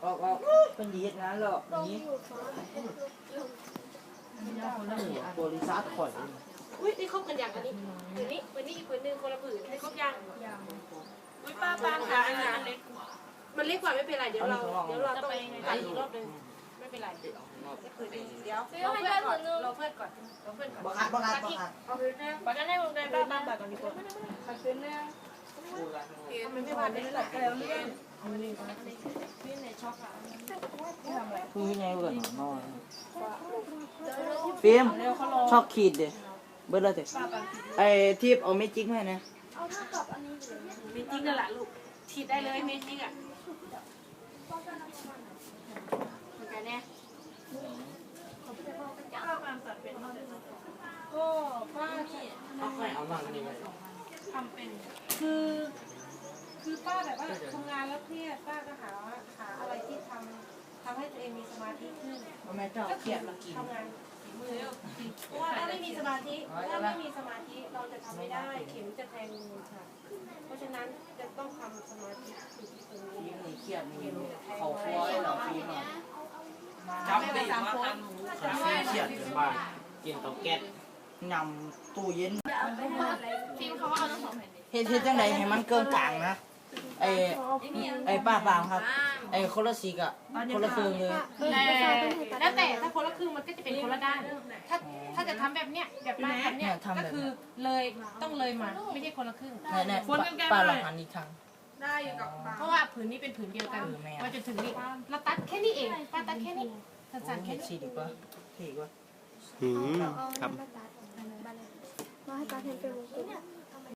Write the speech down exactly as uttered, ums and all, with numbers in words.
ออกออกเป็นดีงานหรอกนี้บริษัทข่อยอุ้ยนี่คบกันอย่างอันนี้วันนี้วันนี้อีกคนนึงคนละผืนให้ครบยังอุ้ยป้าปางค่ะอันนั้นเล็กกว่ามันเล็กกว่าไม่เป็นไรเดี๋ยวเราเดี๋ยวเราต้องตัดอีกรอบนึงไม่เป็นไรเดี๋ยวเดี๋ยวเราเพื่อนก่อนเราเพื่อนก่อนเราเพื่อนก่อนบังคับบังคับบังคับเอาคืนนะบังคับให้มึงได้บ้านบ้านแบบก่อนดีกว่าเอาคืนนะมันไม่ผ่านได้หลายแล้วเนี่ยนี่ในช็อกอะคือไงเกิดนอนฟิล์มชอบขีดเด้เบิร์ดเลยเถอะไอ้ที่เอาเมจิกให้นะเมจิกนั่นแหละลูกฉีดได้เลยเมจิกอ่ะเหมือนกันเนี่ยก็ป้าที่เอาใครเอามากันดีไหมทำเป็นคือคือป้าแบบว่าทำงานแล้วเครียดป้าก็หาหาอะไรที่ทำทำให้ตัวเองมีสมาธิขึ้นแม่เจ้าเขียดมากินทำงานฝีมือเพราะว่าถ้าไม่มีสมาธิถ้าไม่มีสมาธิเราจะทำไม่ได้เข็มจะแทงมือค่ะเพราะฉะนั้นจะต้องทำสมาธิอยู่ที่ตรงนี้ฟิล์มนี่เขียดมีเขาคว้ยเหรอฟิล์มเหรอจำได้สามคนฟิล์มเขียดถึงบ้านกินเตาแก๊สนำตู้เย็นฟิล์มเขาเอาทั้งสองแผ่นเฮ็ดเฮ็ดจังไดให้มันเกินกลางนะไอ้ไอ้ป้าปามครับไอ้คนละสีกะคนละครึ่งเลยแล้วแต่ถ้าคนละครึ่งมันก็จะเป็นคนละด้านถ้าถ้าจะทำแบบเนี้ยแบบมาทำเนี้ยก็คือเลยต้องเลยมาไม่ใช่คนละครึ่งแน่ๆป้าลองหันอีกครั้งได้อยู่กับเพราะว่าผืนนี้เป็นผืนเดียวกันมาจนถึงนี่เราตัดแค่นี้เองป้าตัดแค่นี้สั้นๆเฮ็แค่ดนี้สีดีกว่าเท่กว่าอืมครับมาให้ตาเห็นเป็นวงกลม